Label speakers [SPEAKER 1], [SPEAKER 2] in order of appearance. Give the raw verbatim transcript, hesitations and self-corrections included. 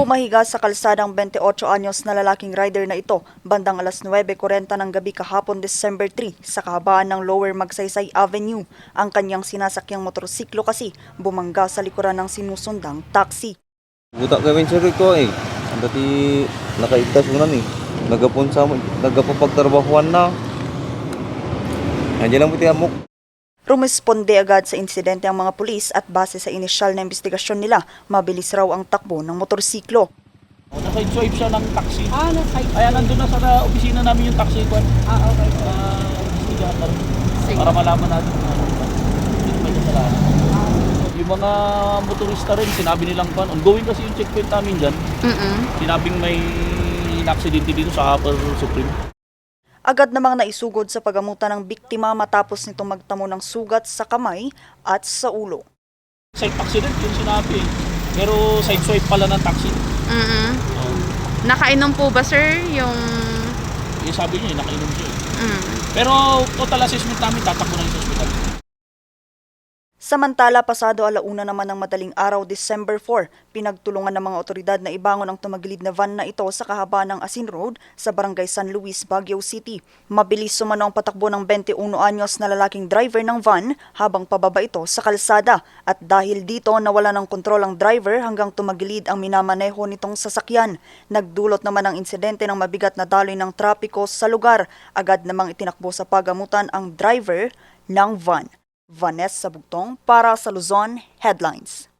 [SPEAKER 1] Pumahiga sa kalsadang twenty-eight anyos na lalaking rider na ito bandang alas nuwebe kuryenta ng gabi kahapon December three sa kahabaan ng Lower Magsaysay Avenue. Ang kanyang sinasakyang motorsiklo kasi bumangga sa likuran ng sinusundang taxi.
[SPEAKER 2] Buta gawin sir ko eh. Dati nakaigtas mo na eh. Nagapon sa mo, nagapapagtrabahuan na. Nandiyan lang buti amok.
[SPEAKER 1] Rumesponde agad sa insidente ang mga pulis at base sa inisyal na investigasyon nila, mabilis raw ang takbo ng motorsiklo.
[SPEAKER 3] Nasa swipe siya ng taxi.
[SPEAKER 4] Ah, nasa-side.
[SPEAKER 3] Kaya nandun na sa na, opisina namin yung taxi ko.
[SPEAKER 4] Ah, okay.
[SPEAKER 3] Uh, investigator.
[SPEAKER 4] Sige.
[SPEAKER 3] Para malaman natin kung ano ba. May kasalanan. Yung mga motorista rin, sinabi nilang pan. Ongoing kasi yung checkpoint namin dyan.
[SPEAKER 4] Mm-mm.
[SPEAKER 3] Sinabing may na-aksidente dito sa Upper Supreme.
[SPEAKER 1] Agad namang naisugod sa pagamutan ng biktima matapos nitong magtamo ng sugat sa kamay at sa ulo.
[SPEAKER 3] Side accident yung sinabi eh. Pero side swipe pala ng taxi.
[SPEAKER 4] Mm-mm.
[SPEAKER 3] Uh,
[SPEAKER 4] Nakainom po ba, sir, yung...
[SPEAKER 3] yung sabi niya, nakainom siya eh.
[SPEAKER 4] Mm.
[SPEAKER 3] Pero total assessment namin, tatakbo na yung sa hospital.
[SPEAKER 1] Samantala, pasado alauna naman ng madaling araw December four, pinagtulungan ng mga otoridad na ibangon ang tumagilid na van na ito sa kahabaan ng Asin Road sa Barangay San Luis, Baguio City. Mabilis sumano ang patakbo ng twenty-one anyos na lalaking driver ng van habang pababa ito sa kalsada at dahil dito nawala ng kontrol ang driver hanggang tumagilid ang minamaneho nitong sasakyan. Nagdulot naman ang insidente ng mabigat na daloy ng trapiko sa lugar. Agad namang itinakbo sa pagamutan ang driver ng van. Vanessa Bugtong para sa Luzon Headlines.